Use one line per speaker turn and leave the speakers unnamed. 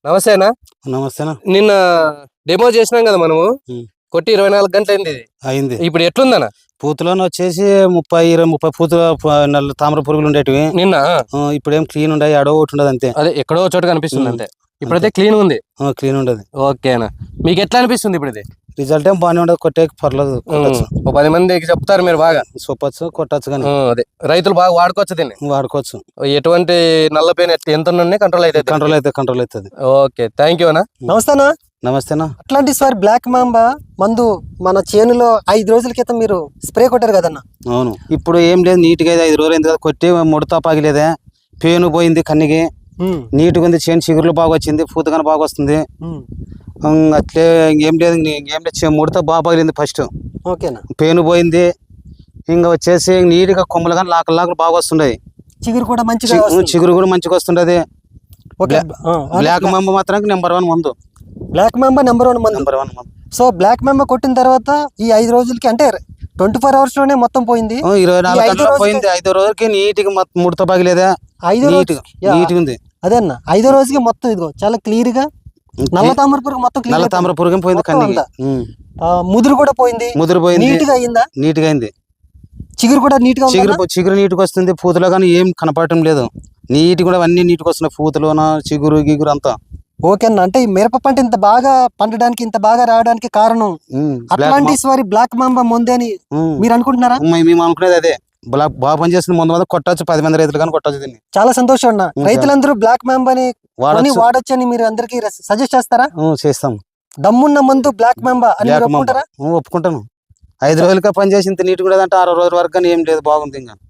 నమస్తేనా.
నమస్తేనా.
నిన్న డెమో చేసినాం కదా మనము, కొట్టి 24 గంటలు అయింది.
అయింది.
ఇప్పుడు ఎట్లుందన్న?
పూతలోనే వచ్చేసి 30 పూతల నల్ల తామర పురుగులు ఉండేటివి
నిన్న.
ఇప్పుడేం క్లీన్ ఉండవు, ఎడో ఒకటి ఉండదు అంతే.
అదే ఎక్కడో చోట కనిపిస్తుంది అంతే. ఇప్పుడైతే క్లీన్ ఉంది.
క్లీన్ ఉండదు.
ఓకేనా, మీకు ఎట్లా అనిపిస్తుంది ఇప్పుడు? ఇది
రిజల్ట్ ఏం బాగానే ఉండదు, కొట్టే పర్లేదు.
ఓ 10 మందికి చెప్తారు మీరు, బాగా
చూపచ్చు, కొట్టచ్చు. కానీ
అదే రైతులు బాగా వాడుకోవచ్చు దీన్ని.
వాడుకోవచ్చు.
ఎటువంటి నల్ల పెయిన్ ఎంత ఉన్నా కంట్రోల్
అవుతుంది.
ఓకే, థ్యాంక్ యూ అన్న.
నమస్తేనా.
నమస్తేనా.
అట్లాంటి సార్ బ్లాక్ మాంబా మందు మన చేనులో 5 రోజుల క్రితం మీరు స్ప్రే కొట్టారు కదన్న?
అవును. ఇప్పుడు ఏం లేదు, నీట్గా 5 రోజులు అయింది కదా కొట్టి, ముడత పాగిలేదే, పేను పోయింది, కన్నిగి నీట్గా ఉంది, చేను చిగురులు బాగా వచ్చింది, పూతగానే బాగా వస్తుంది. అట్లే ఏం లేదు, ముడత బాగా పగిలింది ఫస్ట్.
ఓకేనా.
పేను పోయింది, ఇంకా వచ్చేసి నీట్గా కొమ్మలు కానీ లాకలు బాగా వస్తున్నాయి.
చిగురు కూడా
మంచిగా వస్తుండది. బ్లాక్ మాంబా మాత్రం నెంబర్ 1 మందు.
బ్లాక్ మాంబా నెంబర్ 1 మందు. సో బ్లాక్ మాంబా కొట్టిన తర్వాత ఈ 5 రోజులకి, అంటే 24 అవర్స్ లోనే మొత్తం పోయింది.
24 గంటలు పోయింది. 5వ రోజుకి నీట్గా ముడత పగిలేదా, నీట్గా ఉంది.
అదే అన్న, 5వ రోజుకి మొత్తం ఇదిగో చాలా క్లియర్ గా నల్ల తామర పురుగు మొత్తం
నల్ల తామర పురుగు పోయింది, కన్నీ
ముదురు కూడా పోయింది. నీట్ గా అయిందా?
నీట్గా అయింది.
చిగురు కూడా నీట్ గా
చిగురు నీట్గా వస్తుంది. పూతలో కానీ ఏం కనపడటం లేదు. నీట్ కూడా అన్ని నీట్గా వస్తున్నాయి, పూతలోన చిగురు గిగురు అంతా.
ఓకే అన్న, అంటే ఈ మిరప పంట ఇంత బాగా పండడానికి, ఇంత బాగా రావడానికి కారణం అట్లాంటిస్ వారి బ్లాక్ మాంబా ముందే అని మీరు అనుకుంటున్నారా?
మేము అనుకునేది అదే. బాగా పనిచేస్తుంది ముందు మీద కొట్టచ్చు, 10 మంది రైతులు కానీ కొట్టచ్చు దీన్ని.
చాలా సంతోషం అన్న. రైతులందరూ బ్లాక్ మాంబాని వాడచ్చు అని మీరు అందరికి సజెస్ట్ చేస్తారా?
చేస్తాం.
దమ్మున్న మందు బ్లాక్ మాంబా అని ఒప్పుకుంటారా?
ఒప్పుకుంటాను. 5 రోజులుగా పనిచేసి ఇంత నీట్ కూడా అంటే 6 రోజుల వరకు కానీ ఏం లేదు, బాగుంది. ఇంకా